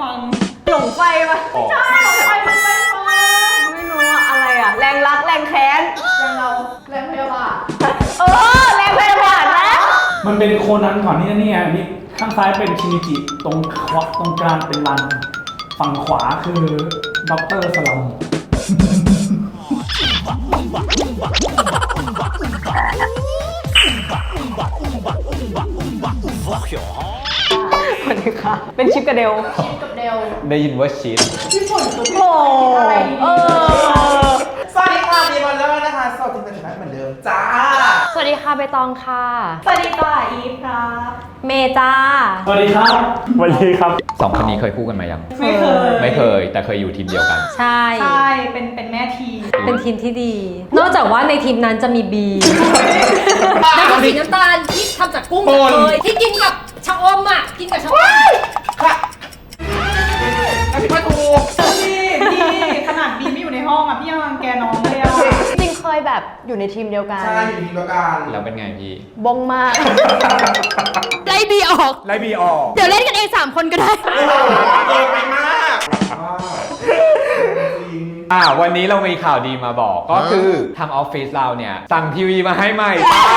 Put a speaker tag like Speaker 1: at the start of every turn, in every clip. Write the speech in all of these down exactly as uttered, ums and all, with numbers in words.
Speaker 1: ฟัง
Speaker 2: หลงไฟปะ
Speaker 1: ใช่หลงไฟมันไปฟัง
Speaker 2: ไม่รู้ว่าอะไรอ่ะแรงรักแรงแค้น
Speaker 1: แรงเราแรงพยาบาท
Speaker 2: เออแรงพยาบาทนะ
Speaker 3: มันเป็นโคนันก่อนนี่นะเนี่ยนี่ข้างซ้ายเป็นชินิจิตรงขวาตรงกลางเป็นรันฝั่งขวาคือด็อกเตอร์สลัม
Speaker 2: สวัสดีค่ะเป็นชิปกระเดล
Speaker 1: ชิปกับเดล
Speaker 4: ได้ยินว่าชีส
Speaker 1: พี่ฝนกับพี่
Speaker 2: โอ้
Speaker 1: อะไรดี
Speaker 2: เออ
Speaker 5: สวัสดีค่ะดีมอนเลอร์นะคะสดจริงเป็นชนะเหมือนเดิมจ้า
Speaker 6: สวัสดีค่ะใบตองค่ะ
Speaker 1: สวัสดีค่ะอีฟครับ
Speaker 6: เมจ้า
Speaker 3: สวัสดีครับ
Speaker 7: สวัสดีครับ
Speaker 4: สองคนนี้เคยคู่กันมายัง
Speaker 1: ไม่เคย
Speaker 4: ไม่เคย แต่เคยอยู่ทีมเดียวกัน
Speaker 6: ใช่
Speaker 1: ใช่เป็นเป็นแม่ทีม
Speaker 6: เป็นทีมที่ดี นอกจากว่าในทีมนั้นจะมีบีนั่นคือสีน้ำตาลที่ทำจากกุ้งเลยที่กินกับชะอมอ่ะ กินกับชะอม
Speaker 5: ค่ะอันนี้มาถูก
Speaker 1: พี่พี่ขนาดบีไม่อยู่ในห้องอ่ะพี่ยังรังแกน้องเลยอ่ะ
Speaker 2: จริงเคยแบบอยู่ในทีมเดียวกัน
Speaker 5: ใช่อยู่ทีมเดียวกัน
Speaker 4: แล้วเป็นไงพี่
Speaker 2: บงมาก
Speaker 6: ไล่บีออก
Speaker 5: ไล่บีออก
Speaker 6: เดี๋ยวเล่นกันเองสามคนก็ได้
Speaker 5: เกินไปมากจริง
Speaker 4: อ่าวันนี้เรามีข่าวดีมาบอกก็คือทางออฟฟิศเราเนี่ยสั่งทีวีมาให้ใหม่จ้า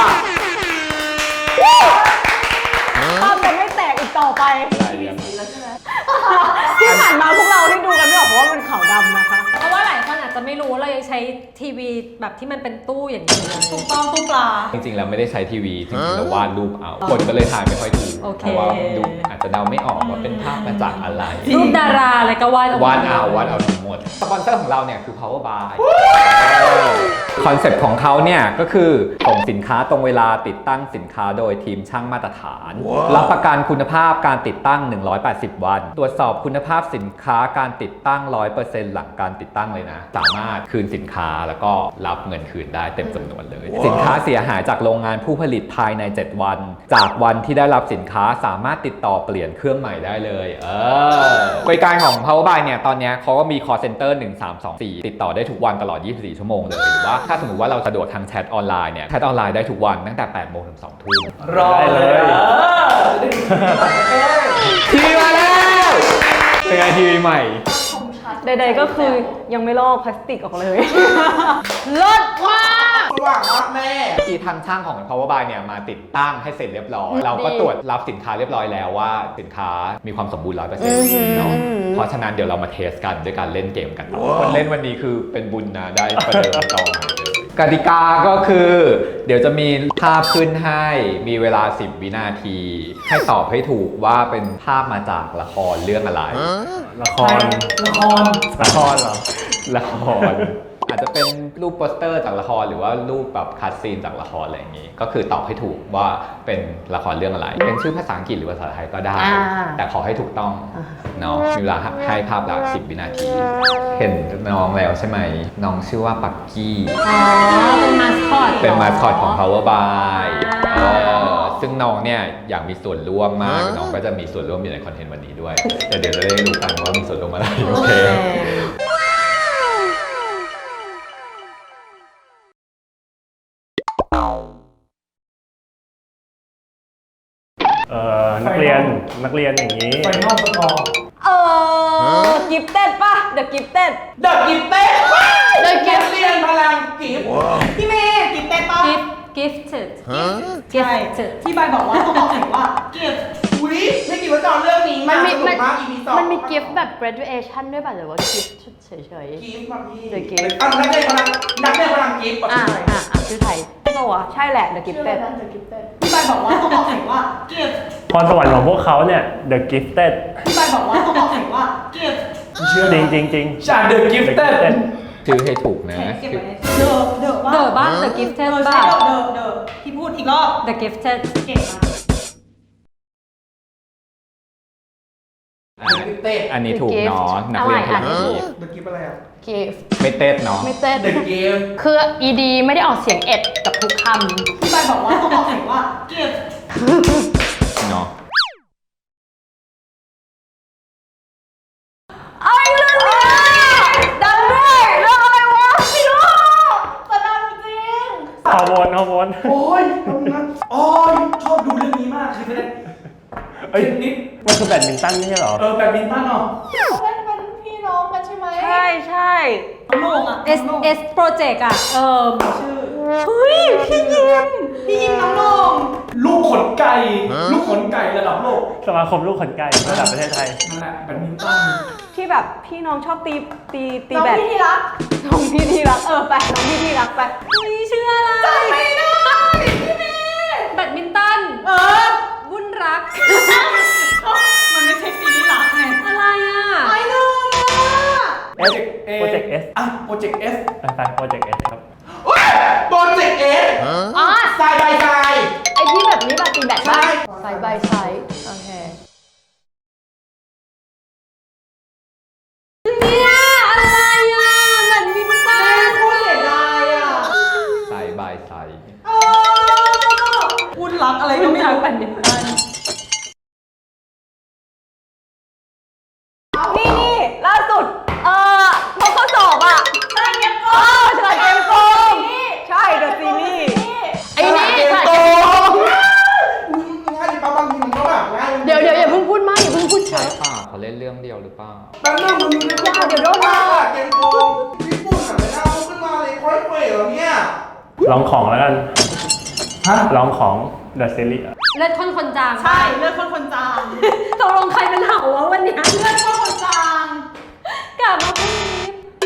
Speaker 2: ภาพจะไม่แตกอีกต่อไป
Speaker 4: ได้เรียบ
Speaker 2: ที่ผ่านมาพวกเราที่ดูกันไม่ออกเพราะว่ามันขาวดำนะคะ
Speaker 6: เพราะว่าหลายคนอาจจะไม่รู้ว่าเรายังใช้ทีวีแบบที่มันเป็นตู้อย่างนี้เลย
Speaker 1: ถูกต้องตู้ปลา
Speaker 4: จริงๆแล้วไม่ได้ใช้ทีวีจริงๆแล้ววาดรูปเอาคนก็เลยถ่ายไม่ค่อยถูก
Speaker 6: โอเค
Speaker 4: เพราะว่าดูอาจจะเดาไม่ออกว่าเป็นภาพมาจากอะไร
Speaker 6: รูปดาราอะไรก็วาดออกม
Speaker 4: วาดเอาวาดเอาทั้งหมด สปอนเซอร์ของเราเนี่ยคือ power by คอนเซ็ปต์ของเขาเนี่ยก็คือส่งสินค้าตรงเวลาติดตั้งสินค้าโดยทีมช่างมาตรฐาน รับประกันคุณภาพการติดตั้ง หนึ่งร้อยแปดสิบ วัน ตรวจสอบคุณภาพสินค้าการติดตั้ง ร้อยเปอร์เซ็นต์ หลังการติดตั้งเลยนะ สามารถคืนสินค้าแล้วก็รับเงินคืนได้เต็มจำนวนเลย สินค้าเสียหายจากโรงงานผู้ผลิตภายใน เจ็ด วัน จากวันที่ได้รับสินค้าสามารถติดต่อเปลี่ยนเครื่องใหม่ได้เลย เออบริการของ power by เนี่ยตอนนี้เขาก็มี call center หนึ่งสามสองสี่ติดต่อได้ทุกวันตลอดยี่สิบสี่ชั่วโมงเลยหรือว่าถ้าสมมติว่าเราสะดวกทางแชทออนไลน์เนี่ยแชทออนไลน์ได้ทุกวันตั้งแต่แปดโมงถึงสองทุ่ม
Speaker 3: รอเลย
Speaker 4: ทีวีมาแล้วเป็นไงทีวีใหม่
Speaker 2: ใดๆก็คือยังไม่ลอกพลาสติกออกเลย เลิศมาก
Speaker 5: สว่างมากแม่
Speaker 4: ทีทางช่างของ power by เนี่ยมาติดตั้งให้เสร็จเรียบร้อย เราก็ตรวจรับสินค้าเรียบร้อยแล้วว่าสินค้ามีความสมบูรณ์ ร้อยเปอร์เซ็นต์ เนาะเพราะฉะนั้นเดี๋ยวเรามาเทสกันด้วยการเล่นเกมกันคนเล่นวันนี้คือเป็นบุญนะได้ประเดิมตองกติกาก็คือ เดี๋ยวจะมีภาพขึ้นให้มีเวลาสิบวินาที ให้ตอบให้ถูกว่าเป็นภาพมาจากละครเรื่องอะไร
Speaker 7: ละคร
Speaker 3: ละคร
Speaker 7: ละครเหรอ
Speaker 4: ละคร อาจจะเป็นรูปโปสเตอร์จากละครหรือว่ารูปแบบคัดซีนจากละครอะไรอย่างนี้ ก็คือตอบให้ถูกว่าเป็นละครเรื่องอะไร เป็นชื่อภาษาอังกฤษหรือภาษาไทยก็ได้
Speaker 2: อ่า
Speaker 4: แต่ขอให้ถูกต้องเนาะมีเวลาให้ภาพละสิบวินาที เห็นน้องแล้วใช่ไหมน้องชื่อว่าปักกี้
Speaker 6: อ๋อ เป็นมาสคอต
Speaker 4: เป็นมาสคอตของ power by เออซึ่งน้องเนี่ยอยากมีส่วนร่วมมากน้องก็จะมีส่วนร่วมอยู่ในคอนเทนต์วันนี้ด้วยแต่เดี๋ยวจะได้รู้กันว่ามีส่วนร่วมอะไรโอเค
Speaker 7: เอ่อ นักเรียน นักเรียนอย่างนี้
Speaker 3: ไฟนอลสกอร์
Speaker 2: เออกิฟเต็ดป่ะ The Gifted
Speaker 5: เดอะกิฟเต้
Speaker 2: The
Speaker 5: เกมเรียนพลังกิฟต์
Speaker 1: พี่เมย์กินเต้นปะ
Speaker 6: กิฟกิฟต์
Speaker 1: ใช่ที่ใบบอกว่าต้องบอกเลยว่าเก็บ
Speaker 5: อุ้ยไม่คิดว่าจะเอาเรื่องนี้มา
Speaker 8: มันมี
Speaker 5: สนุกมาก อี พี สอง
Speaker 8: มันมีกิฟต์แบบ graduation ด้วยป่ะหรือว่ากิฟต์เฉย
Speaker 5: กิฟต์มาพี่
Speaker 8: The gift
Speaker 5: อ่ะนักเรียนพลังนักเรียนพลังกิฟต์
Speaker 8: ๆ อ่าอ่าอ่าชื่อไทย
Speaker 2: ตัวใช่แหละ The
Speaker 1: ชื่อ
Speaker 2: Gifted
Speaker 1: อะไรนะ The Gifted ที่ใบบอกว่าต้องบอกเลยว่าเก็บ
Speaker 7: พรสวรรค์ของพวกเขาเนี่ย The Gifted
Speaker 1: ที่ใบบอกว่าต้องบอกเลยว่าเก็บ
Speaker 3: เชื่อ
Speaker 7: จริงจริงจริง
Speaker 3: จาก The Gifted
Speaker 4: ชื่อให้ถูกนะ
Speaker 1: เก็บไว้ในเดอะเดอะว่า
Speaker 6: The บ้าน The Gifted
Speaker 1: เออใช่
Speaker 6: บ้าน
Speaker 1: เดอะเดอะที่พูดอีกรอบ
Speaker 6: The Gifted
Speaker 1: เก่งมาก
Speaker 4: อ่ะอันนี้ถูกเนาะนักเรียนพลังกิฟต์
Speaker 5: เดอะกิฟต์อะไรอ่ะ
Speaker 8: กิฟต์
Speaker 4: ไม่เต้นเนาะ
Speaker 8: ไม่เต้น
Speaker 5: เดอะกิฟต์
Speaker 8: คือ ed ไม่ได้ออกเสียงเอ็ดกับทุกค
Speaker 1: ที่ใบบอกว่าต้องบอกเลยว่าเก็บ
Speaker 4: เนาะ
Speaker 2: ไอ้เรื่องนี้ดังด้วยเรื่องอะไรวะไม่รู้
Speaker 1: แต่ดังจริง
Speaker 7: ฮอร์โมนฮอร์โมน
Speaker 3: โอ้ยตรงนั้นโอ้ยชอบดูเรื่องนี้มากคือไม่ได้
Speaker 7: เอ้ย
Speaker 3: เทนนิส
Speaker 7: มันคือแบดมินตันไม่ใช่เหรอ
Speaker 3: เออแบดมินตันเหรอ
Speaker 1: เขาเป็นเป็นพี่น้องกันใช่ไหม
Speaker 2: ใช่ใช่
Speaker 1: น้องโหน่งอ่ะ
Speaker 6: S S Project อ่ะ เออ
Speaker 1: ชื่อ
Speaker 2: เฮ้ยพี่ยิม
Speaker 1: พี่ยิมน้องโหน่ง
Speaker 3: ลูกขนไก่ ลูกขนไก่ระดับโลก
Speaker 7: สมาคมลูกขนไก่ระดับประเทศไทย
Speaker 3: นั่นแหละแบดมินตัน
Speaker 2: ที่แบบพี่น้องชอบตีตีตี
Speaker 1: น้อง
Speaker 2: แบด
Speaker 1: พี่ที่รัก
Speaker 2: น้องพี่ที่รักเออไปน้องพี่ที่รักไป
Speaker 6: มีชื่ออะไร
Speaker 1: จำไม่ได้พี่เมย์
Speaker 6: แบดมินตัน
Speaker 1: เออ
Speaker 6: วุ่นรัก
Speaker 1: มันไม่ใช่ซีรีส์รักไง
Speaker 6: อะไรอ่ะ
Speaker 1: ไอ้ลืมอ่ะ
Speaker 3: โปรเจกต์เอ
Speaker 7: Project S
Speaker 3: อ่ะโปรเจกต์เอส
Speaker 7: ไปไปโปรเจกต์เอสครับ
Speaker 5: โปรเจกต์เอส
Speaker 8: อ๋อ
Speaker 5: ทรายใบทราย
Speaker 8: ไอที่แบบนี้แบบตีแบต
Speaker 5: ใช่
Speaker 8: ไซด์บายไซด์โอเค
Speaker 6: เนี่ยอะไรอ่ะแบดมินตัน
Speaker 1: โคตรเสียดายอ่ะ
Speaker 4: ใส่บายใส่
Speaker 1: เออวุ่นรักอะไรก็ไม่รู้
Speaker 2: แบดมินตันนี่นี่ล่าสุดเออพอข้อสอบอ่ะ
Speaker 1: ใช่เก็บ
Speaker 2: เอ
Speaker 1: ก่อน
Speaker 2: อฉลาดเกมโกงใช่เดอะซีรีส์
Speaker 8: ไอ้นี่
Speaker 5: เกม
Speaker 8: ค่ะ
Speaker 5: โตง่ายดิป้าบางทีมันก็แบบง่าย
Speaker 8: เดี๋ยวเดี๋ยวอย่าเพิ่งพูดมากอย่าเพิ่งพูดเย
Speaker 4: ใช่
Speaker 8: อะ
Speaker 4: ป่ะเขาเล่นเรื่องเดียวหรือเปล่า
Speaker 5: แป๊บนึงมึงนึกว่า
Speaker 8: เดี๋ยวโดน
Speaker 5: ป้า
Speaker 8: มา
Speaker 5: เกมโกงญี่ปุ่นอ่ะไม่น่าพูดขึ้นมาเลยค่อยเฟยเหรอเนี่ย
Speaker 7: ลองของแล้วกัน
Speaker 3: ฮะ
Speaker 7: ลองของ The Series อะ
Speaker 6: เลือดข้นคนจาง
Speaker 1: ใช่เลือดคนคนจาง
Speaker 6: ตกลงใครเป็นเห่าวะวันเนี้ย
Speaker 1: เลือดคนคนจาง
Speaker 6: กลับมาพรุ่งนี้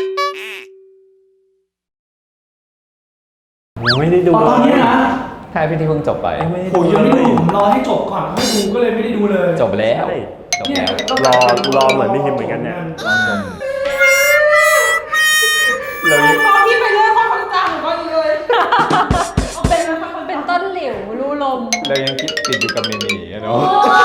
Speaker 7: ยังไม่ได้ดู
Speaker 3: ตอนนี้นะ
Speaker 4: ใช่พี่ที่เพิ่งจบไป
Speaker 7: ยังไม่ได้
Speaker 3: โอ้
Speaker 7: ดู
Speaker 3: ยยังไม่
Speaker 7: เล
Speaker 3: ได้
Speaker 7: ย
Speaker 3: ดูผมรอให้จบก่อนค่อยดูก็เลยไม่ได้ดูเลย
Speaker 4: จบแล้ว
Speaker 7: ใช่
Speaker 4: จบ
Speaker 3: เนี่ย
Speaker 4: แล้ว
Speaker 7: รอรอเหมือนพี่ฮิมเหมือนกันเนี่ย
Speaker 4: ตอนจบ
Speaker 7: เรายัง
Speaker 1: พอพี่ไปเลือดคนคนจางหนูก็อีเลยเอาเป็นเลือดคนคน
Speaker 6: เป็
Speaker 1: จาน ง
Speaker 6: ต้นหลิวรูลม
Speaker 4: เรายังคิดติดอยู่กับเมมี่อะเนาะ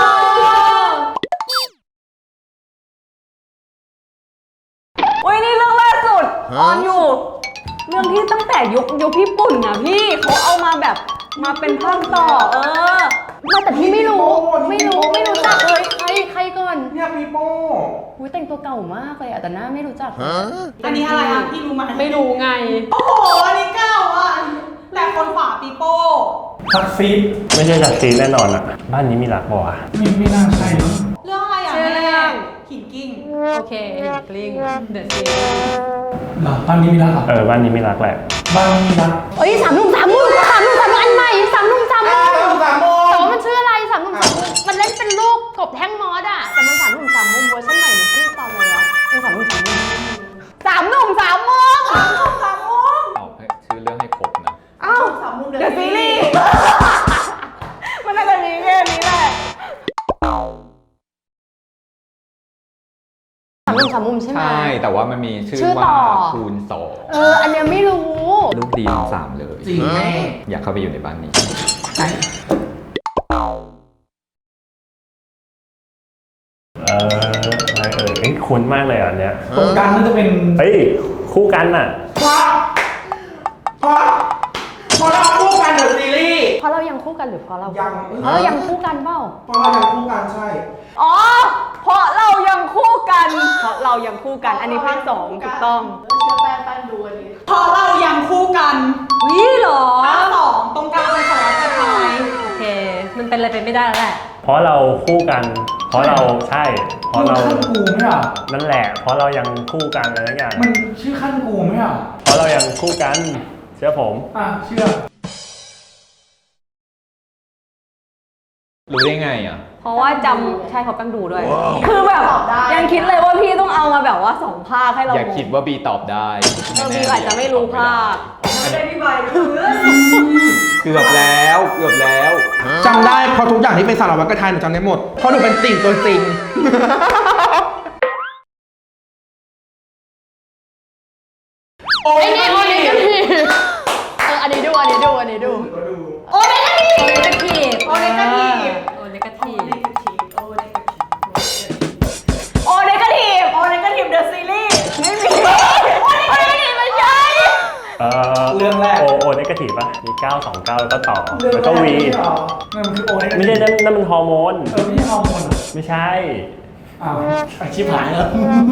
Speaker 2: โอ้ยนี่เรื่องล่าสุดออนอยู่ เรื่องที่ตั้งแต่ยุคยุคพี่ปุ่นนะพี่เขาเอามาแบบมาเป็นภาคต่อ เออ
Speaker 8: ไม่แต่พี่ไม่รู้ ไม่รู้ไม่รู้จักเลยใครใครก่อน
Speaker 5: เนี่ยปีโป้
Speaker 8: อุ้ยแต่งตัวเก่ามากเลยอะแต่หน้าไม่รู้จัก
Speaker 1: อันนี้อะไรอ่ะพี่รู้ไหม
Speaker 8: ไม่รู้ไง
Speaker 1: โอ้โหอันนี้เก้าอ่ะแต่คนขวาปีโป้
Speaker 3: ซักซีด
Speaker 7: ไม่ใช่จากซีนแน่นอนอ่ะ บ้านนี้มีรักบ่อ่ะ
Speaker 3: ไม่ไม่น่าใช่มั้ง
Speaker 1: เรื่องอะไรอ่ะ
Speaker 6: ชื่อเรื่
Speaker 1: แม่
Speaker 6: อง
Speaker 1: หินกิ้ง
Speaker 6: โอเคหินกลิ้งเดอะซีรีส์
Speaker 3: เหรอบ้านนี้มีรักเหรอ
Speaker 7: เออ บ้านนี้มีรักแหละ
Speaker 3: บ้านนี้มีรัก
Speaker 8: เอ้ยสามหนุ่มสามมุมสามหนุ่มสามมุมอันใหม่สามหนุ่มสามมุ
Speaker 5: อ้าม วสามโมง
Speaker 8: แต่ว่ามันชื่ออะไรสามหนุ่มสามมุมมันเล่นเป็นลูกกบแท่งมอสอะแต่มันสามหนุ่มสามมุมเวอร์ชันใหม่มันชื่อตอนอะไรวะเออสามหนุ่มสามมุม
Speaker 2: สามหนุ่มสามมุม
Speaker 1: สามมุมสามมุม
Speaker 4: เอาให้ชื่อเรื่องให้ครบนะ
Speaker 2: อ้าว
Speaker 1: สามมุม
Speaker 2: เดอะซีรีส์มันน่าจะมีแค่นี้แหละ
Speaker 8: สามหนุ่มสามมุมใช่ไหม
Speaker 4: ใช่ แต่ว่ามันมีชื่อ
Speaker 8: ชื่อต่
Speaker 4: ว่า
Speaker 8: อ
Speaker 4: คูณสอง
Speaker 8: เอออันเนี้ยไม่รู้
Speaker 4: ลูกดีทั้งสามเลย
Speaker 5: จริงแม่
Speaker 4: อยากเข้าไปอยู่ในบ้านนี้
Speaker 7: เอออะไรเออเอ้ยคุ้นมากเลยอ่ะอันเนี้ย
Speaker 3: ตรงกลางน่าจะเป็น
Speaker 7: เฮ้ย คู่กันอ่ะ
Speaker 5: เพราะเพราะเพราะเราคู่กันเดอะซีรีส์
Speaker 8: เพราะเรายังคู่กันหรือเพราะเรา
Speaker 5: ยัง
Speaker 8: เพราะเรายังคู่กันเปล่า
Speaker 5: เพราะเรายังคู่กันใช่
Speaker 2: อ๋อ เพราะเรายังคู่กัน เพราะเรายังคู่กัน อันนี้ภาคสองถูกต้อง
Speaker 1: เชื่อแป้งแป้งดูอันนี้พอเรายังคู่กัน
Speaker 6: วิเหรอ
Speaker 1: ภาคสองตรงกลางเป็นสารวัตรกระทาย
Speaker 6: โอเค มันเป็นอะไรไปไม่ได้แล้วแหละ
Speaker 7: เพราะเราคู่กัน เพราะเราใช่ เพราะ
Speaker 3: ลูก
Speaker 7: เรา
Speaker 3: ขั้นกูไม่เหรอ
Speaker 7: นั่นแหละ เพราะเรายังคู่กันอะไรทั้งอย่าง
Speaker 3: มันชื่อขั้นกูไม่เหรอ
Speaker 7: เพราะเรายังคู่กัน เชื่อผม
Speaker 3: อ่ะเชื่อ
Speaker 4: รู้ได้ไงอ่ะ
Speaker 2: เพราะว่าจำใช่เขาแป้งดูด้วย คือแบบยังคิดเลยว่าพี่ต้องเอามาแบบว่าสองภาคให้เรา
Speaker 4: อย่าคิดว่าบีตอบได้
Speaker 2: เออบีอาจจะไม่รู้ภาค
Speaker 1: ไม่ได้พี่ใบรู้เรื่อง
Speaker 4: เกือบแล้วเกือบแล้ว
Speaker 5: จำได้เพราะทุกอย่างที่เป็นสารวัตรกระทายหนูจำได้หมด เพราะหนูเป็นติ่งตัวจริง โอ้
Speaker 8: ไอ้นี่โอเนกาทีฟเอออันนี้ดูอันนี้ดูอันนี้ดู
Speaker 1: โอเนกาที
Speaker 6: โอเลกาทีฟ
Speaker 1: โอเนกาทีฟ
Speaker 6: โอเลกาทีฟ
Speaker 1: โอเนกาทีฟ
Speaker 2: โอเนกาทีฟโอเนกาทีฟเดอะซีรีส์ไม่มีโอเนกาทีฟไม่ใช่
Speaker 7: เออ
Speaker 3: เรื่องแรก
Speaker 7: โอโอเนกาทีฟป่ะ มีเก้า สอง เก้าแล้วก็ต่อ
Speaker 3: เรื่อง
Speaker 7: แล้ว
Speaker 3: แร
Speaker 7: ก็
Speaker 3: ก
Speaker 7: วี
Speaker 3: ไม่ใช่เหรอนั่นมันคือโอเนกา
Speaker 7: ไม่ใช่นั่นนั่นมันฮอร์โมน
Speaker 3: เออไม่ใช่ฮอร์โมนเหรอ
Speaker 7: ไม่ใช่
Speaker 3: อ้าวอาชีพหายแล้ว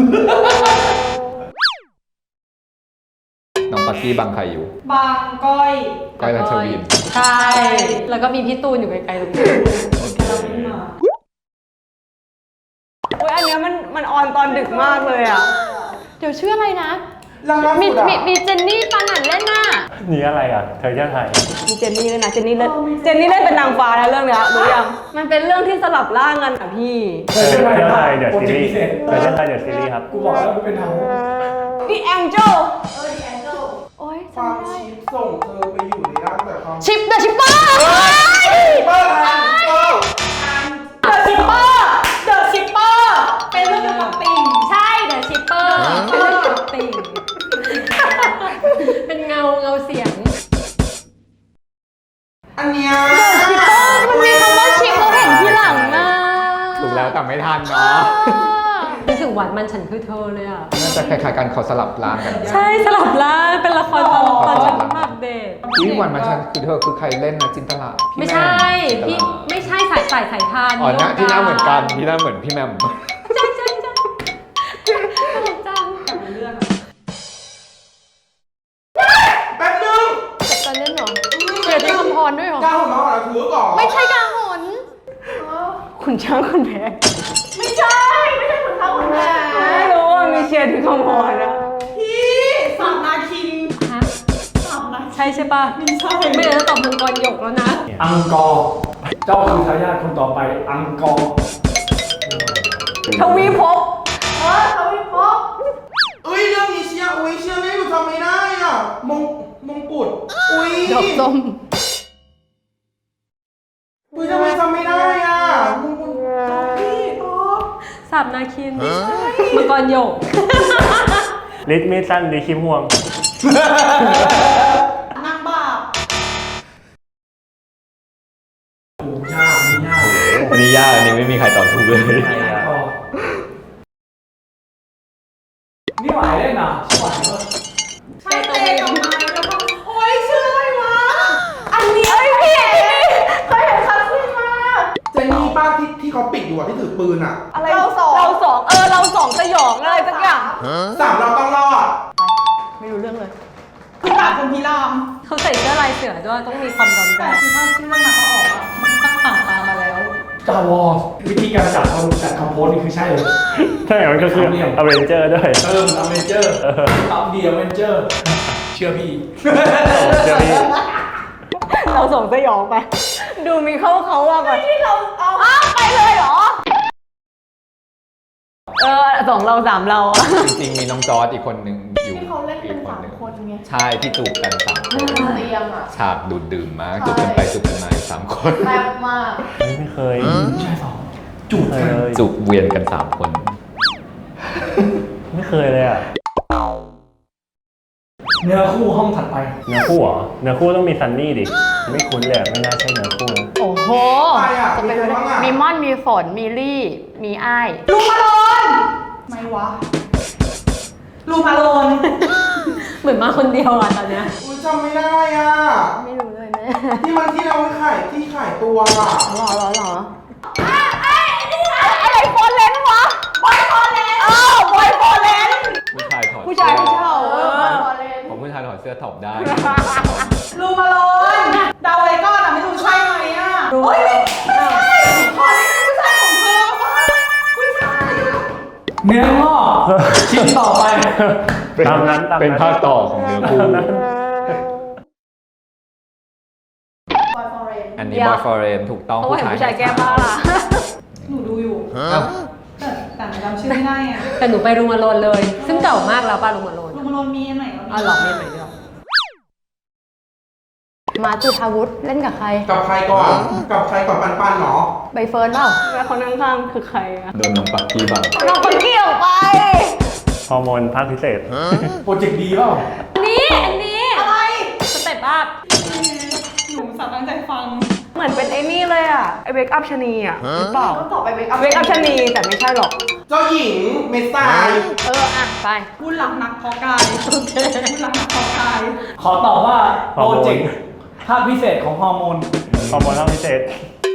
Speaker 4: น้องปักกี้บังใครอยู่
Speaker 1: บางก้อย
Speaker 4: ก้อยรัชวิน
Speaker 6: ใช่ แล้วก็มีพี่ตูนอยู่ไกลๆตรงนี้
Speaker 1: เราไม่มา
Speaker 2: รดึกมากเลยอ่ะ
Speaker 8: เดี๋ยวชื่ออะไรนะ
Speaker 5: ล่าสุด
Speaker 8: มี
Speaker 5: อะ
Speaker 8: มีมีเจนนี่ปานันเล่นน่ะ
Speaker 7: นี่อะไรอ่ะ เธอจะไทย
Speaker 2: มีเจนนี่ด้วยนะ เจนนี่เล่น เจนนี่เล่นเป็นนางฟ้านะเรื่องเนี้ยรู้ยัง มันเป็นเรื่องที่สลับร่างกันอ่ะพี่
Speaker 7: เธอจะไทยเดี๋ยว
Speaker 3: โปร
Speaker 7: ซี
Speaker 3: เจกต์
Speaker 7: รี
Speaker 3: พิ
Speaker 7: ส์
Speaker 3: เศษ
Speaker 7: เธอจะไทยเดี๋ยวซีรีส์ครับ
Speaker 3: กูบอกแล้วกูเป็นทาง
Speaker 2: The Angel
Speaker 8: โอ๊ย
Speaker 5: ควา
Speaker 8: จำ
Speaker 5: ม
Speaker 8: ไม่ได้
Speaker 5: ชิปส่งเธอไปอยู่ในร่างแต่ความ
Speaker 8: ชิปเดอะชิปเปอร์
Speaker 5: เปิดทันเปิด
Speaker 1: เดอะชิปเปอร์เดอะชิปเปอร์เป็นเรื่องเกี่ยวกับปิ่ง
Speaker 6: ใช่เดอะชิปเปอร์เป็นเรื่องเกี่ยวกับติ่งเป็นเงาเงาเสียง
Speaker 5: อันเนี้ย
Speaker 8: ชิปเปอร์มันมีคำว่าชิปเราเห็นทีหลังอ่ะ
Speaker 4: ถูกแล้วแต่ไม่ทันเนาะ
Speaker 6: นึกถึงหวานมันฉันคือเธอเลยอ่ะ
Speaker 4: น่าจะคล้ายๆกันเขาสลับร่างกัน
Speaker 6: ใช่สลับร่างเป็นละครตอนตอนฉันแบบเด็ก
Speaker 4: วิวันมาชันคือเธอคือใครเล่นนะจินตลาพี่
Speaker 6: ไม่
Speaker 4: แม
Speaker 6: ใช่
Speaker 4: จินต
Speaker 6: พี่
Speaker 4: ลา
Speaker 6: ไม่ใช่สายสายสายทาน
Speaker 4: อ๋อนะที่หน้าเหมือนกันที่หน้าเหมือนพี่แมม
Speaker 6: ใช่ใช่ใช่ตลกจัง
Speaker 5: แป๊บนึง
Speaker 8: แต่ตอนเล่นเหรอเดี๋ยวได้คำพรด้วยเหรอ
Speaker 5: ก้าวของน้องเหรอถือก่อน
Speaker 8: ไม่ใช่กาหน
Speaker 2: ขุนช้างขุนแผน
Speaker 1: ไม่ใช่ ไม่ใช่ขุนช้างขุนแผน
Speaker 2: ไม่รู้ว่ามีเชียร์ถึงคำพรนะ
Speaker 1: พี่สามนาคิน
Speaker 6: ฮะ
Speaker 1: สามนาคิน
Speaker 6: ใช่ใช่ป่ะ
Speaker 1: ไม่ใช่
Speaker 6: ไม่งั้นจะตอบมังกรหยกแล้วนะ
Speaker 3: อังกอร์เจ้าคือทายาทคนต่อไปอังกอร์
Speaker 2: ทวีภพ
Speaker 1: เออเขาวิพก
Speaker 5: เอ้ยเรื่องนี้เชียร์อุ้ยเชียร์ไม่หนูจำไม่ได้อ่ะมงมงกุฎอุ้ย
Speaker 8: ดอกส้ม
Speaker 5: อุ้ยทำไมจำไม่ได้อ่ะมงกุฎ
Speaker 1: พี่ตอบ
Speaker 6: สามนาคินมังกรหยก
Speaker 7: ลิทมีสั้นดีคิมห่วง
Speaker 1: นางบาป
Speaker 3: โอ้ยากอันนี้ยาก
Speaker 4: อันนี้ยากอันนี้ไม่มีใครตอบถูกเลย
Speaker 7: ใครอ่ะ
Speaker 3: นี่หวายเล่นอ่ะชื่อหวายปะ
Speaker 1: ใช่เตะกับไม้แล้วก็โอ๊ยชื่ออะไรวะ อันนี้เอ้ยพี่เคยเห็นคัสซินมา
Speaker 5: เจนนี่ป้าที่ที่เขาปิดอยู่อ่ะที่ถือปืนอ่ะ
Speaker 2: อะไรเราสองเราสองเออเราสองสยองอะไรสักอย่าง
Speaker 5: สามเราต้องรอด
Speaker 2: ไม่รู้เรื่องเลย
Speaker 1: คือตาคนพิราม
Speaker 6: เขาใส่เสื้อลายเสือด้วยต้องมีความร้อนแร
Speaker 1: แต่
Speaker 6: ง
Speaker 1: คือถ้าชื่อเรื่องนั้นเขาออกอะเขาผ่านตามาแล้ว
Speaker 3: จาวอสวิธีการจับเขาจัดคอมโพสนี่คือใช่เลย
Speaker 7: ใช่มันก็คืออเวนเจอร์ด้วย
Speaker 3: เออมันอเวนเจอร์ตับเดียเวนเจอร์ เชื่อพี่
Speaker 7: เดี๋ยวนี้
Speaker 2: เราส่งสยองไป ดูมีเข้าเขาว่าก่อนที่เราเอาอ้าวไปเลยเหรอ เออสองเราสามเราอะ
Speaker 4: จริงๆมีน้องจอร์ดอีกคนหนึ่งอยู่
Speaker 1: ที่เขาเล่นเป็น
Speaker 4: อีก
Speaker 1: สาม
Speaker 4: หง
Speaker 1: คนไง
Speaker 4: ใช่ที่จูบกันสามคน
Speaker 1: เตียงอ่ะ
Speaker 4: ฉากดูดดื่มมากจูบกันไปจูบกันมาอีกสามคน
Speaker 1: แซ่บมาก
Speaker 7: ไม่เคย
Speaker 3: ใช่สองจูบ
Speaker 7: ไม่
Speaker 3: กัน
Speaker 7: เคย
Speaker 4: จูบเวียนกันสามคน
Speaker 7: ไม่เคยเลยอ่ะ
Speaker 3: เนื้อคู่ห้องถัดไป
Speaker 7: เนื้อคู่เหรอ เนื้อคู่ต้องมีซันนี่ดิ ไม่คุ้นเลยอะไม่น่าใช่เนื้อคู่นะ
Speaker 8: โอ้โห
Speaker 5: ใครอ่ะ
Speaker 8: จะ
Speaker 5: มี
Speaker 8: เป็น
Speaker 5: ใครบ้างอ่ะ
Speaker 8: มีม่อน มีฝน มีลี่ มีอ้าย
Speaker 1: ลูมาโลนไม่วะ ลูมาโลน
Speaker 6: เหมือนมาคนเดียวอ่ะตอนเนี้ย
Speaker 5: อุ้ยจำไม่ได้อ่ะ
Speaker 8: ไม่รู้เลยแม่
Speaker 5: ที่มันที่เราขายที่ขายตัวอ่ะ
Speaker 8: หรอหรอหรอ
Speaker 2: อะไรโฟนเลนวะบอยโฟนเลนเออบอยโฟนเลน
Speaker 4: ผู้ชายถอด
Speaker 2: ผู้ชายไม่เช่าเออ
Speaker 4: ของผู้ชายถอดเสื้อถอดได้
Speaker 1: ลูมาโลนเดาอะไรก่อนอ่ะไม่รู้ใช่ไหมอ่ะโอ๊ยไม่ใช่ขอได้เป็นผู้ชายของเธอป่ะผู้ชายอะ
Speaker 3: เนื้องอกชิ้นต่อไป
Speaker 7: ตามนั้นตามนั้น
Speaker 4: เป็นภาคต่อของเนื้อคู่ อันนี้บอยฟอร์เรนถูกต้อง
Speaker 2: เขาเห็นผู้ชายแก้ผ้าล่ะ
Speaker 1: หนูดูอยู่
Speaker 4: เอ้า
Speaker 1: แต่แต่หนูจำชื่อไม่ได้อ่ะ
Speaker 6: แต่หนูไปรูมาโลนเลย ซึ่งเก่ามากแล้วป่ะรูมาโลน
Speaker 1: ลูมาโลนมีอันไหนวะ
Speaker 6: อ๋อเหรอมีไหนด้วย
Speaker 8: มาจุธาวุฒิเล่นกับใคร
Speaker 5: กับใครก่อน กับใครก่อนปันปันๆเหรอ
Speaker 8: ใบเฟิร์นเปล่า
Speaker 2: แล้วคนข้างๆคือใครอะ
Speaker 4: โดนน้องปักกี้บัง
Speaker 2: น้องคนเกี่ยวไป
Speaker 7: ฮอร์โมนภาคพิเศษ
Speaker 3: โปรเจกต์ดีเปล่า
Speaker 6: อันนี้อันนี้
Speaker 1: อะไร
Speaker 6: สเต็ปอัพ
Speaker 1: หนูสาวตั้งใจฟัง
Speaker 2: เหมือนเป็นไอ้นี่เลยอะไอเวกอัพชะนีอะหรือเปล่า
Speaker 1: ก็ตอบไปเวกอัพ
Speaker 2: เวกอัพชะนีแต่ไม่ใช่หรอก
Speaker 5: เจ้าหญิงเมสไซาย
Speaker 8: เออ อ่ะ ไป
Speaker 1: พูดหลักนักพอกายโอเคพูดหลักนักพอกาย
Speaker 3: ขอตอบว่า
Speaker 7: ฮอ
Speaker 3: โป
Speaker 7: ร์
Speaker 3: ร
Speaker 7: โมน
Speaker 3: เจกต์ภาคพิเศษของฮอร์โมน
Speaker 7: ฮอร์โมนภาคพิเศษ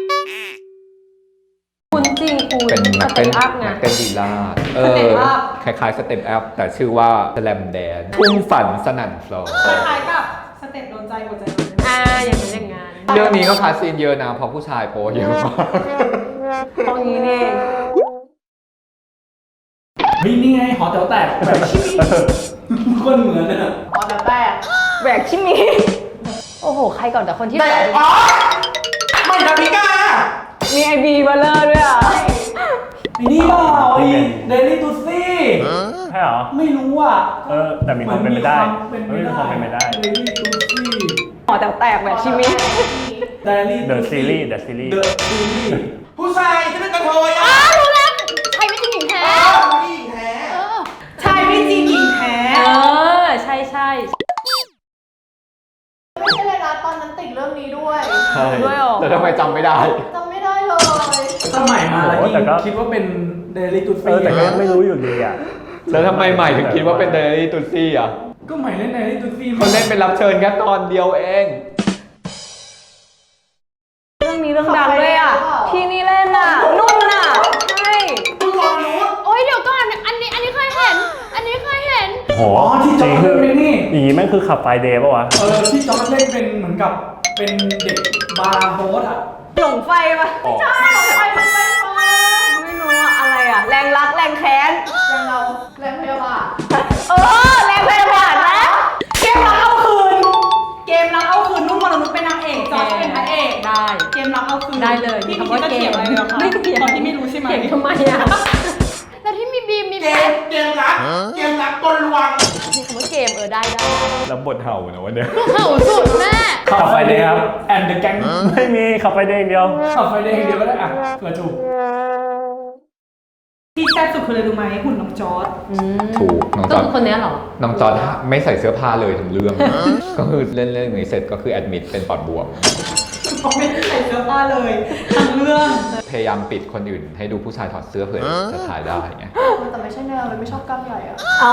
Speaker 6: คุณจริงคุณ
Speaker 4: เป็นนัก
Speaker 6: ส
Speaker 4: เต้
Speaker 6: เต็
Speaker 4: น
Speaker 6: ปอัพไง
Speaker 4: นักเต้นลีลาดเออ คล้ายๆสเต็ปอัพแต่ชื่อว่าสแลมแดนทุ่งฝันสนั่นฟลอร์
Speaker 1: คล้ายๆกับสเต็ปโดนใจหัวใจโดนใจ
Speaker 6: อ่าอย่างนั้นอย่างงั้น
Speaker 4: เรื่องนี้ก็คาสซีนเยอะนะเพราะผู้ชายโปเยอะมาก
Speaker 2: ตรงนี้นี่เอง
Speaker 3: เฮ้ยนี่ไงหอแต๋วแตกแบบชิมิคนเหมือนเลยอะ
Speaker 1: อ๋อแต่แตก
Speaker 2: แหวกชิมี
Speaker 8: โอ้โห ใครก่อนแต่คนที่
Speaker 5: แต่
Speaker 8: แบบ
Speaker 5: อ๋อไม่ดาวิกา
Speaker 2: มีไอบีบัลเลอร์ด้วยอ่ะ
Speaker 3: ไอ้นี่เปล่าไอ้เดลี่ตูซี่
Speaker 7: ใช่เหรอ
Speaker 3: ไม่รู้อ่ะ
Speaker 7: เออ แต่มีความเป็นไปได้
Speaker 3: เป็น
Speaker 7: เฮ้ยมีความเป็นไปได้
Speaker 3: เดลี่ตูซี่
Speaker 2: หอแต๋วแตกแหวกชิมี
Speaker 3: เดลี่
Speaker 7: The Series The Series
Speaker 3: เดอะซีรีส์
Speaker 5: ผู้ชายที่เป็นกระเทย
Speaker 8: อ้า
Speaker 5: อ่ะ
Speaker 8: วรู้แล้วใครไม่จริงหญิงแท้
Speaker 5: อ้าวผู้หญิงแท้
Speaker 8: เออ
Speaker 1: ชายไม่จริงหญิงแท้
Speaker 6: เออ ใช่ใช่
Speaker 1: ไม่ใช่เลยนะตอนนั้นติดเรื่องนี้ด้วย
Speaker 4: ใช่
Speaker 2: ด้วยเหรอ
Speaker 4: แต่ทำไมจำไม่ได้
Speaker 1: จำไม่ได้เลย
Speaker 3: สมัยมาแล้ว
Speaker 7: โอ้
Speaker 3: ยิ่
Speaker 7: แต่ก็
Speaker 3: งคิดว่าเป็นเดลี่ตู
Speaker 7: เอ
Speaker 3: ซี่
Speaker 7: อแต่ก็ยังไม่รู้อยู่ดีอ่ะ
Speaker 4: แล้วทำไมใหม่ถึงคิดว่าเป็นเดลี่ตูซี่อ่ะ
Speaker 3: ก็ใหม่เล่นเดลี่ตูซี่
Speaker 4: เขาเล่นเป็นรับเชิญแค่ตอนเดียวเอง
Speaker 2: เรื่องนี้เรื่องดังด้วยอ่ะ ที่นี่เล่นอ่ะ นุ่นอ่ะ ใช่
Speaker 5: คุณวรนุช
Speaker 8: โอ้ยเดี๋ยวก่อนอันนี้อันนี้เคยเห็น อันนี้เคยเห็น
Speaker 7: โห
Speaker 3: อ๋อที่จอร์จเล่นเป็นนี่
Speaker 7: อย่างงี้แม่งคือขับไฟเดย์ป่ะวะ
Speaker 3: เออที่จอร์จเล่นเป็นเหมือนกับเป็นเด็กบาร์โฮสอ่ะ
Speaker 2: หลงไฟปะ
Speaker 4: อ๋อ
Speaker 2: ใช่หลงไฟมันไปพอไม่รู้ว่าอะไรอ่ะ แรงรักแรงแค้น
Speaker 1: ยังเราแรงพยาบาท
Speaker 2: เออ แรงพยาบาทนะ
Speaker 1: เกมรักเอาคืน เกมรักเอาคืนนุ่นวรนุชเป็นนางเอกจอร์จเป็นพระเอก
Speaker 6: ได้
Speaker 1: เกมรักเอาคืน
Speaker 6: ได้เลย
Speaker 1: พี่
Speaker 6: มี
Speaker 1: มี
Speaker 6: คำว่า
Speaker 1: จะเถียงอะไรเหรอคะ
Speaker 6: ไม่เถียง
Speaker 1: ตอนที่ไม่รู้ใช่ไหม
Speaker 6: เถียงทำไมอ่ะ
Speaker 8: แล้วที่มีบีมมี
Speaker 5: เก
Speaker 8: แพ
Speaker 5: ม
Speaker 8: ท
Speaker 5: เกมรักเกมรักกลลวง
Speaker 8: มีคำว่าเกมเออได้ได้
Speaker 4: แล้วบทเห่านะวันเนี้ย
Speaker 8: ลูกเห่าสุดแม่
Speaker 7: ขับไฟเดย์ครับ
Speaker 3: แอนเดอะแก๊ง
Speaker 7: ไม่มีขับไฟเดย์อย่างเดียว
Speaker 3: ขับไฟเดย์อย่างเดียวก็ได้อ่ะเผื่อถูก
Speaker 1: ที่แซ่บสุดคืออะไรรู้ไหมหุ่นน้องจอร์จ
Speaker 4: ถูกน้องจ
Speaker 6: ก็
Speaker 4: อร์
Speaker 6: คือคนเนี้ยเหรอ
Speaker 4: น้องจอร์จไม่ใส่เสื้อผ้าเลยทั้งเรื่อง ก็คือเล่นเรื่องนี้เสร็จก็คือแอดมิดเป็นปอดบวม
Speaker 1: เขาไม่ได้ใส่เสื้อผ้าเลยทั้งเรื่อง
Speaker 4: พยายามปิดคนอื่น ให้ดูผู้ชายถอดเสื้อเผื่อจะถ่ายได้ไง
Speaker 1: แต่ไม่ใช่แนวเลยไม่ชอบกล้ามใหญ่อะ
Speaker 2: เอา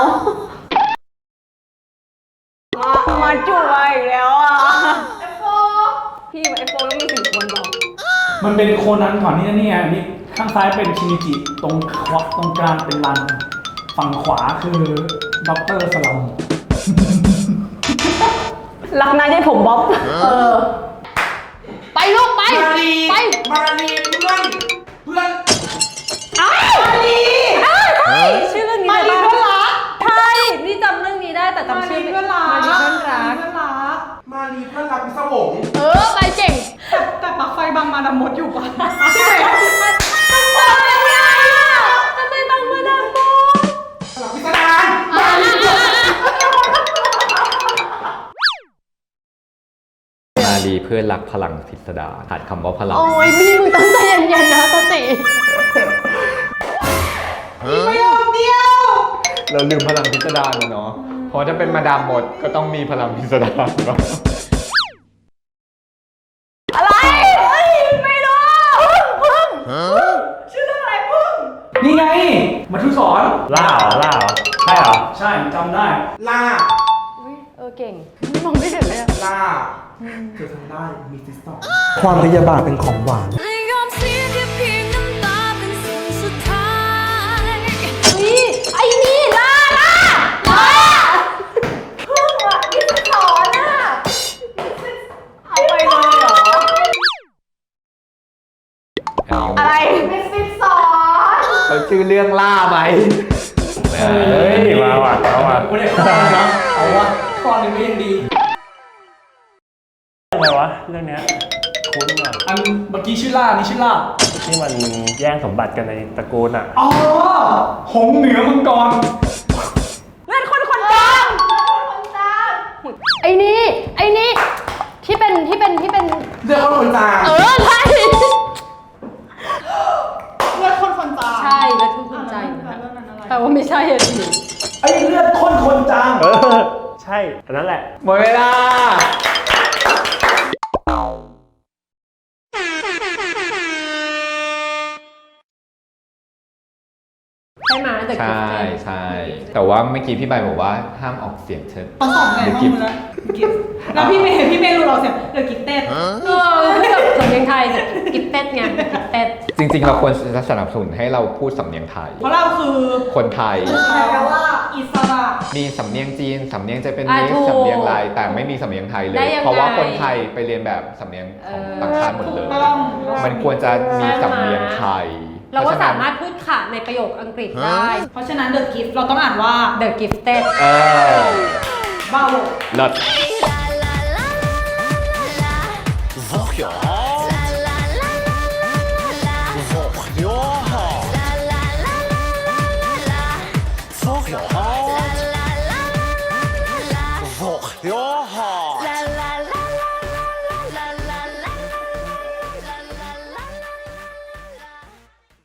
Speaker 2: มามาจุ่มาอีกแล้วอ่ะ
Speaker 1: เอฟโฟ
Speaker 2: พี่เอฟโฟต้องมีสี่คนบอก
Speaker 3: มันเป็นโคนันก่อนนี่นะเนี่ยอันนี่ข้างซ้ายเป็นชินิจิตรงขวาตรงกลางเป็นรัน ฝั่งขวาคือด็อกเตอร์สลัม
Speaker 2: รักนายได้ผมบ๊อบ
Speaker 1: เออ
Speaker 8: ไปลูกไป
Speaker 5: มารี
Speaker 8: ไป
Speaker 5: มารีเพื่อนเพื่อน
Speaker 1: มาลี
Speaker 6: ชื่อเรื่องนี้
Speaker 1: มาลี
Speaker 6: ได้
Speaker 1: เพื่อน
Speaker 6: ปะ
Speaker 1: รัก
Speaker 6: ใช่ นี่จำเรื่องนี้ได้แต่
Speaker 1: มา
Speaker 6: จำ
Speaker 1: ลี
Speaker 6: ชื่อไม่
Speaker 1: เพื่อนรัก
Speaker 6: มาลีเพื่อนรัก
Speaker 1: เพื่อนรัก
Speaker 5: มารีเพื่อนรักพิศวง
Speaker 8: เออ ไปเก่ง
Speaker 1: แต่แต่ปลั๊กไฟบางมาดามมดอยู่ปะใช่ไหม
Speaker 6: ทำไมบางมาดามโบ
Speaker 5: หลักพิสดารมารี
Speaker 4: มารีเพื่อนรักพลังพิสดารขาดคำว่าพลัง
Speaker 8: โอ้ยพี่มึงต้องใจเย็นๆนะตติ
Speaker 1: ประโยคเดียว
Speaker 4: เราลืมพลังพิสดารแล้วเนาะ เพราะถ้าเป็นมาดามหมดก็ต้องมีพลังพิสดารเนาะ
Speaker 2: อะไรเฮ้ยไม่รู้พึ่ง
Speaker 1: ชื่อเรื่องอะไรพึ่ง
Speaker 3: นี่ไงมาทุสอน
Speaker 7: ล่าเหรอล่าเหรอใช่เหรอ
Speaker 3: ใช่จำได้
Speaker 5: ล่า
Speaker 8: อุ๊ยเออเก่งมองไม่เห็นเลยอะ
Speaker 5: ล่าเธอทำได้มีซิสตอม
Speaker 9: ความพยาบาทเป็นของหวาน
Speaker 10: ยอมเสียแค่เพียงน้ำตาเป็นสิ่งสุดท้าย
Speaker 8: เฮ้ยไอ้นี่ล่าล่าล่า
Speaker 1: พึ่งอ่ะนี่จะสอนอ่ะ
Speaker 2: เอาไปเลยเหรอ อะไร
Speaker 1: มิสซิสสอน
Speaker 4: เขาชื่อเรื่องล่าไหม
Speaker 7: เฮ้ยมาว่ะมาว่ะ
Speaker 3: ไม่ได้ข้อนะเอาวะข้อหนึ่งก็ยังดี
Speaker 7: อะไรวะเรื่องเนี้ยคุ้นว่ะ
Speaker 3: อันเมื่อกี้ชื่อล่านี่ชื่อล่า
Speaker 7: ที่มันแย่งสมบัติกันในตระกูลอ่ะ
Speaker 3: อ๋อ หงส์เหนือมังกร
Speaker 2: เล่นคนคนจาง
Speaker 8: ไอ้นี่ไอ้นี่ที่เป็นที่เป็นที่เป็น
Speaker 5: เรื่องคนคนจาง
Speaker 8: เออใช่
Speaker 1: เลือดคนคนจาง
Speaker 6: ใช่แล้วทุกคนใจ
Speaker 1: อ่ะ
Speaker 6: นะ
Speaker 1: เรื่องนั้นอะไร
Speaker 6: แต่ว่าไม่ใช่อะสิ
Speaker 3: ไอ้เลือดข้นคนจาง
Speaker 7: เออ ใช่อันนั้นแหละ
Speaker 4: หมดเวลา
Speaker 6: ใช่ไหมแต่
Speaker 4: ใช่ใช่ แต่ว่าเมื่อกี้พี่ใบบอกว่าห้ามออกเสียงเชิญ
Speaker 1: เขาสอนไง
Speaker 4: เดี๋ยว
Speaker 1: บ้าง
Speaker 4: กิฟ
Speaker 1: มึงแล้วกิฟแล้วพี่เมย์พี่เมย์รู้เราเสียงเดี๋ยวกิฟเต้น
Speaker 6: เออกับสำเนียงไทยกับกิฟเต็ดไงกิฟเต็ด
Speaker 4: จริง ๆ เราควรจะสนับสนุนให้เราพูดสำเนียงไทย
Speaker 1: เพราะเราคือ
Speaker 4: คนไทย
Speaker 1: แปลว่าอิสระ
Speaker 4: มีสำเนียงจีน สำเนียงเจแปน
Speaker 6: อ่ะ
Speaker 4: นิส
Speaker 6: ถูก
Speaker 4: สำเนียงลายแต่ไม่มีสำเนียงไทยเล
Speaker 6: ได้
Speaker 4: ย
Speaker 6: ยังไง
Speaker 4: เพราะว่าคนไทยไปเรียนแบบสำเนียงของ
Speaker 6: เออ
Speaker 4: ต่างชาติหมดเลย
Speaker 1: ถูกต้อง
Speaker 4: มันควรจะมีสำเนียงไทย
Speaker 6: เราก็สามารถพูดค่ะในประโยคอังกฤษได้
Speaker 1: เพราะฉะนั้น The Gift เราต้องอ่านว่า
Speaker 6: The Gifted
Speaker 4: เออ
Speaker 1: บาโว
Speaker 4: เลิศ
Speaker 10: Your heart.